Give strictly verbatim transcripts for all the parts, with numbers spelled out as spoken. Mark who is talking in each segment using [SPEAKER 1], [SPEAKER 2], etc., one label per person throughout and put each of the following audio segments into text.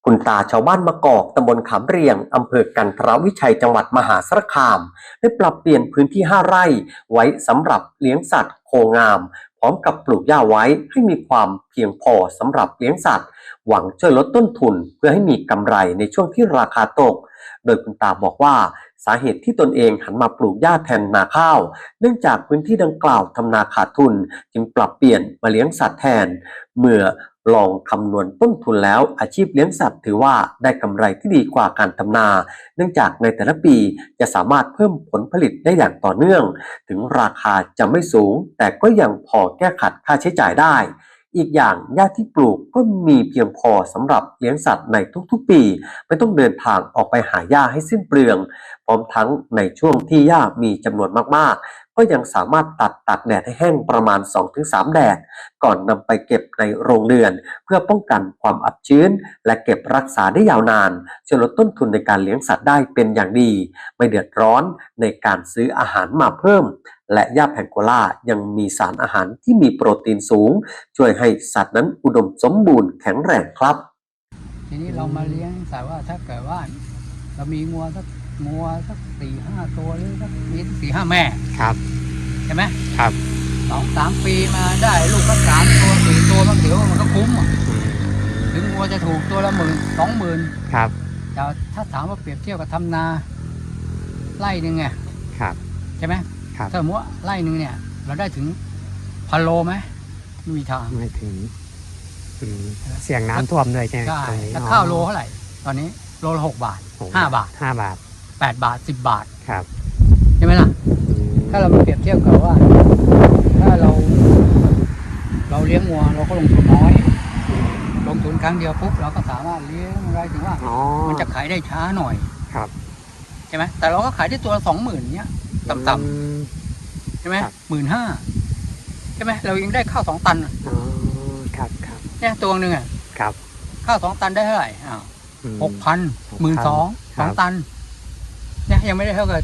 [SPEAKER 1] คุณตาชาวบ้านมะกอกตำบลขามเรียงอำเภอกันทรวิชัยจังหวัดมหาสารคามได้ปรับเปลี่ยนพื้นที่ห้าไร่ไว้สำหรับเลี้ยงสัตว์โคงามพร้อมกับปลูกหญ้าไว้ให้มีความเพียงพอสำหรับเลี้ยงสัตว์หวังช่วยลดต้นทุนเพื่อให้มีกำไรในช่วงที่ราคาตกโดยคุณตาบอกว่าสาเหตุที่ตนเองหันมาปลูกหญ้าแทนนาข้าวเนื่องจากพื้นที่ดังกล่าวทำนาขาดทุนจึงปรับเปลี่ยนมาเลี้ยงสัตว์แทนเมื่อลองคำนวณต้นทุนแล้วอาชีพเลี้ยงสัตว์ถือว่าได้กำไรที่ดีกว่าการทำนาเนื่องจากในแต่ละปีจะสามารถเพิ่มผลผลิตได้อย่างต่อเนื่องถึงราคาจะไม่สูงแต่ก็ยังพอแก้ขัดค่าใช้จ่ายได้อีกอย่างหญ้าที่ปลูกก็มีเพียงพอสำหรับเลี้ยงสัตว์ในทุกๆปีไม่ต้องเดินทางออกไปหาหญ้าให้สิ้นเปลืองพร้อมทั้งในช่วงที่หญ้ามีจำนวนมากๆก็ยังสามารถตัดตากแดดให้แห้งประมาณ สองถึงสาม แดดก่อนนำไปเก็บในโรงเรือนเพื่อป้องกันความอับชื้นและเก็บรักษาได้ยาวนานช่วยลดต้นทุนในการเลี้ยงสัตว์ได้เป็นอย่างดีไม่เดือดร้อนในการซื้ออาหารมาเพิ่มและหญ้าแพงโกล่ายังมีสารอาหารที่มีโปรตีนสูงช่วยให้สัตว์นั้นอุดมสมบูรณ์แข็งแรงครับ
[SPEAKER 2] ทีนี้เรามาเลี้ยงแต่ว่าถ้าเกิดว่าเรามีงัวสักงัวสักสี่ห้าตัวหรือสักมีสี่ห้าแม่
[SPEAKER 3] ครับ
[SPEAKER 2] ใช่ไหม
[SPEAKER 3] ครับ
[SPEAKER 2] สองสามปีมาได้ลูกสักสามตัวสี่ตัวมันถือว่ามันก็คุ้มถึงงัวจะถูกตัวละหมื่นสองหมื่น
[SPEAKER 3] ครับ
[SPEAKER 2] แต่ถ้าถามว่าเปรียบเทียบกับทำนาไร่หนึ่งไง
[SPEAKER 3] ครับ
[SPEAKER 2] ใช่ไหมถ้าสมมติว่าไร่หนึ่งเนี่ยเราได้ถึงพันโลไหมไม่มีทาง
[SPEAKER 3] ไม่ถึงเสี่ยงน้ำท่วมด้วยใช่ไหม
[SPEAKER 2] ใช่แล้วข้าวโลเท่าไหร่ตอนนี้โลละหกบาทห้าบาท
[SPEAKER 3] ห้าบาท
[SPEAKER 2] แปดบาทสิบบาท
[SPEAKER 3] ครับ
[SPEAKER 2] ใช่ไหมล่ะถ้าเรามาเปรียบเทียบกับว่าถ้าเราเราเลี้ยงวัวเราก็ลงทุนน้อยลงทุนครั้งเดียวปุ๊บเราก็สามารถเลี้ยงได้ถึงว่ามันจะขายได้ช้าหน่อย
[SPEAKER 3] ครับ
[SPEAKER 2] ใช่ไหมแต่เราก็ขายได้ตัวละสองหมื่นเนี้ยต่ำๆใช่ไหมหมื่นห้าใช่ไหมเรายังได้ข้าวสองตัน
[SPEAKER 3] อ๋อครับครับ
[SPEAKER 2] เนี่ยตัวหนึ่งอ่ะ
[SPEAKER 3] ครับ
[SPEAKER 2] ข้าวสองตันได้เท่าไหร่อ้าวหกพันหมื่นสองสองตันเนี่ยยังไม่ได้เท่ากับ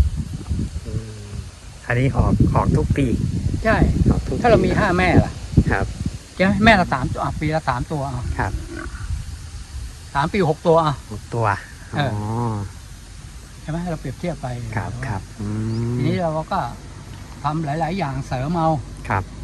[SPEAKER 3] อันนี้ออกออกทุกปี
[SPEAKER 2] ใช่ถ้าเรามีห้าแม่ล่ะ
[SPEAKER 3] ครับ
[SPEAKER 2] ใช่ไหมแม่ละสามตัวปีละสามตัว
[SPEAKER 3] ครับ
[SPEAKER 2] สามปีหกตัวอ่ะ
[SPEAKER 3] หกตัวอ๋อ
[SPEAKER 2] ใช่ไหมเราเปรียบเทียบไป
[SPEAKER 3] ครับครับ
[SPEAKER 2] ทีนี้เราก็ทำหลายๆอย่างเสริมเอา
[SPEAKER 3] ครับ